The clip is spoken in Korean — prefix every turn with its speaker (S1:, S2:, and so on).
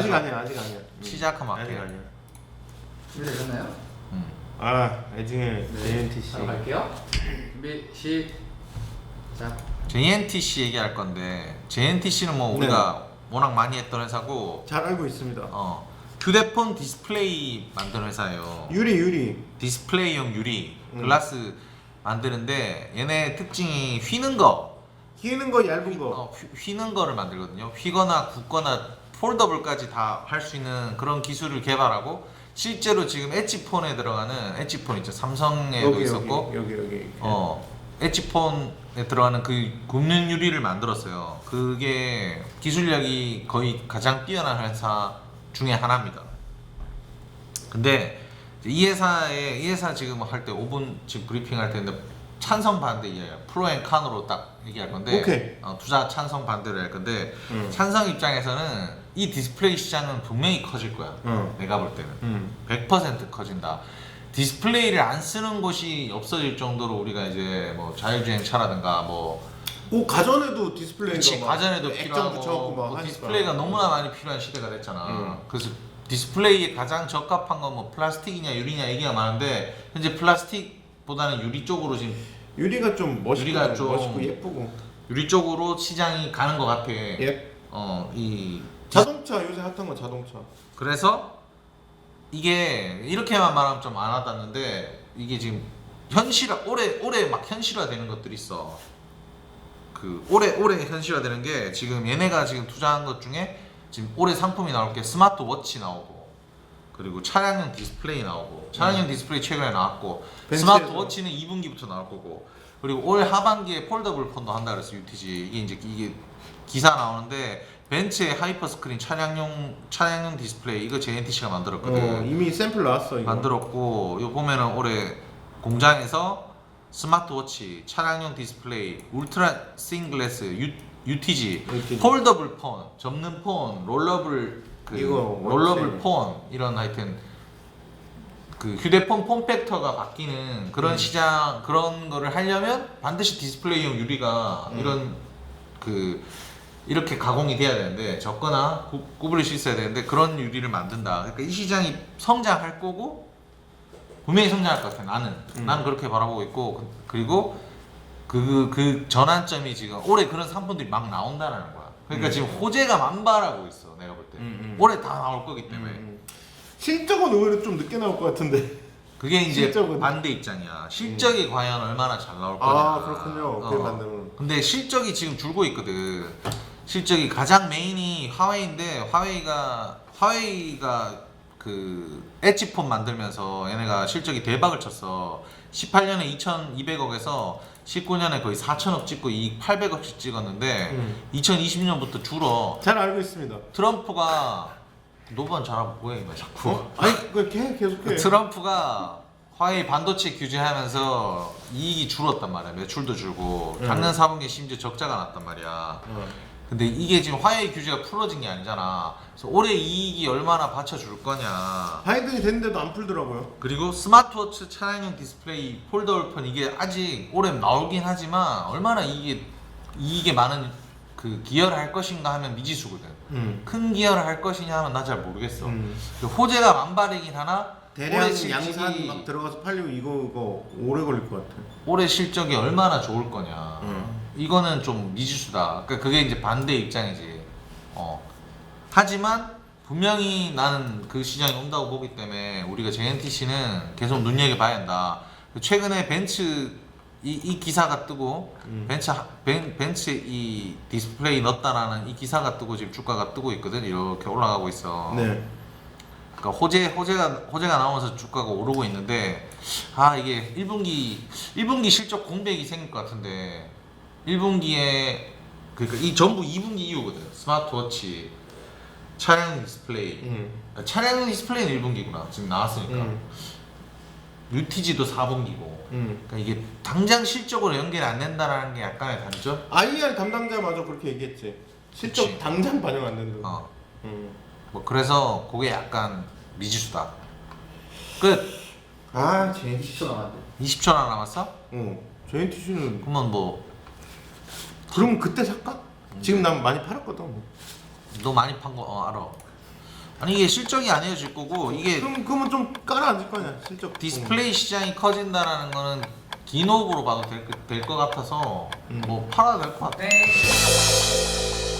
S1: 아직 아니야, 아직 아니야.
S2: 시작하면
S1: 아직
S2: 할게요.
S1: 아니야.
S3: 준비되셨나요?
S1: 아, 애증의
S3: 네.
S1: JNTC.
S3: 바로 갈게요. 준비 시작.
S2: JNTC 얘기할 건데 JNTC는 뭐 우리가 워낙 많이 했던 회사고
S1: 잘 알고 있습니다.
S2: 휴대폰 디스플레이 만드는 회사예요.
S1: 유리.
S2: 디스플레이용 유리 글라스 만드는데 얘네 특징이 휘는 거
S1: 휘는 거 얇은 거.
S2: 휘는 거를 만들거든요. 휘거나 굽거나 폴더블까지 다 할 수 있는 그런 기술을 개발하고 실제로 지금 엣지폰에 들어가는 엣지폰 있죠. 삼성에도
S1: 여기,
S2: 있었고
S1: 여기.
S2: 엣지폰에 들어가는 그 굽는 유리를 만들었어요. 그게 기술력이 거의 가장 뛰어난 회사 중에 하나입니다. 근데 이 회사 지금 할 때 5분 지금 브리핑 할 텐데 찬성 반대 이에요. 프로 앤 칸으로 딱 얘기할 건데
S1: 오케이.
S2: 투자 찬성 반대를 할 건데 찬성 입장에서는 이 디스플레이 시장은 분명히 커질 거야. 내가 볼 때는 100% 커진다. 디스플레이를 안 쓰는 곳이 없어질 정도로 우리가 이제 뭐 자율주행차라든가
S1: 가전에도 디스플레이가
S2: 그치,
S1: 막
S2: 가전에도
S1: 액정
S2: 필요하고
S1: 붙여갖고 막
S2: 뭐
S1: 하니까.
S2: 디스플레이가 너무나 많이 필요한 시대가 됐잖아. 그래서 디스플레이에 가장 적합한 건 뭐 플라스틱이냐 유리냐 얘기가 많은데 현재 플라스틱보다는 유리 쪽으로 지금
S1: 유리가 좀
S2: 유리가 좀
S1: 멋있고 예쁘고.
S2: 유리 쪽으로 시장이 가는 것 같아.
S1: 예.
S2: 이
S1: 자동차 요새 핫한 건 자동차.
S2: 그래서 이게 이렇게만 말하면 좀 안 와닿는데 이게 지금 올해 막 현실화되는 것들이 있어. 그 올해 현실화되는 게 지금 얘네가 지금 투자한 것 중에 지금 올해 상품이 나올 게 스마트워치 나오고 그리고 차량용 디스플레이 나오고 차량용 디스플레이 최근에 나왔고
S1: 벤츠에서.
S2: 스마트워치는 2분기부터 나올 거고 그리고 올 하반기에 폴더블 폰도 한다 그랬어 UTG 이게 기사 나오는데 벤츠의 하이퍼 스크린 차량용 디스플레이 이거 JNTC가 만들었거든.
S1: 이미 샘플 나왔어 이거.
S2: 만들었고 이거 보면은 올해 공장에서 스마트워치, 차량용 디스플레이, 울트라 싱글래스, UTG, 폴더블 폰, 접는 폰, 롤러블
S1: 원체.
S2: 폰 이런 하여튼 그 휴대폰 폼팩터가 바뀌는 그런 시장 그런 거를 하려면 반드시 디스플레이용 유리가 이런 이렇게 가공이 돼야 되는데 적거나 구부릴 수 있어야 되는데 그런 유리를 만든다. 그러니까 이 시장이 성장할 거고 분명히 성장할 것 같아. 나는 그렇게 바라보고 있고 그리고 그 전환점이 지금 올해 그런 상품들이 막 나온다는 거야. 그러니까 지금 호재가 만발하고 있어. 내가 볼 때 올해 다 나올 거기 때문에
S1: 실적은 오히려 좀 늦게 나올 것 같은데.
S2: 그게 이제
S1: 실적은.
S2: 반대 입장이야. 실적이 과연 얼마나 잘 나올 거냐.
S1: 아 그렇군요. 그게 맞는.
S2: 근데 실적이 지금 줄고 있거든. 실적이 가장 메인이 화웨이인데 화웨이가 그 엣지폰 만들면서 얘네가 실적이 대박을 쳤어. 18년에 2,200억에서 19년에 거의 4,000억 찍고 이익 800억씩 찍었는데 2020년부터 줄어.
S1: 잘 알고 있습니다.
S2: 트럼프가 노반 잘하고 뭐해 이거 자꾸.
S1: 아니 그렇게 계속해.
S2: 트럼프가 화웨이 반도체 규제하면서 이익이 줄었단 말이야. 매출도 줄고 작년 4분기에 심지어 적자가 났단 말이야. 근데 이게 지금 화웨이 규제가 풀어진 게 아니잖아. 그래서 올해 이익이 얼마나 받쳐줄 거냐.
S1: 하이든이 됐는데도 안 풀더라고요.
S2: 그리고 스마트워치 차량용 디스플레이 폴더블폰 이게 아직 올해 나오긴 하지만 얼마나 이익에 많은 그 기여를 할 것인가 하면 미지수거든. 큰 기여를 할 것이냐 하면 나 잘 모르겠어. 그 호재가 만발이긴 하나
S1: 대량
S2: 올해 실적이
S1: 양산 막 들어가서 팔리고 이거 오래 걸릴 것 같아.
S2: 올해 실적이 얼마나 좋을 거냐. 이거는 좀 미지수다. 그러니까 그게 이제 반대 입장이지. 하지만 분명히 나는 그 시장이 온다고 보기 때문에 우리가 JNTC는 계속 눈여겨봐야 한다. 최근에 벤츠 이 기사가 뜨고 벤츠 이 디스플레이 넣었다라는 이 기사가 뜨고 지금 주가가 뜨고 있거든. 이렇게 올라가고 있어.
S1: 네.
S2: 그러니까 호재가 나오면서 주가가 오르고 있는데 이게 1분기 실적 공백이 생길 것 같은데 1분기에 그러니까 이 전부 2분기 이후거든. 스마트워치, 차량 디스플레이. 차량 디스플레이는 1분기구나. 지금 나왔으니까. UTG도 4분기고. 그러니까 이게 당장 실적으로 연결이 안 된다는 게 약간의 단점?
S1: IR 담당자마저 그렇게 얘기했지. 실적
S2: 그치.
S1: 당장 반영 안 된다.
S2: 뭐 그래서 그게 약간 미지수다. 끝.
S1: JNTC.
S3: 20초 남았는데.
S2: 20초나 남았어?
S1: JNTC는
S2: 그러면 뭐
S1: 그럼 그때 살까? 지금 난 많이 팔았거든.
S2: 너 많이 판 거 알아. 아니 이게 실적이 아니어질 거고 이게
S1: 그러면 좀 깔아앉을 거 아니야 실적.
S2: 디스플레이 시장이 커진다라는 거는 기노브로 봐도 될 것 같아서
S1: 음.
S2: 뭐 팔아도 될 것 같아.
S3: 땡.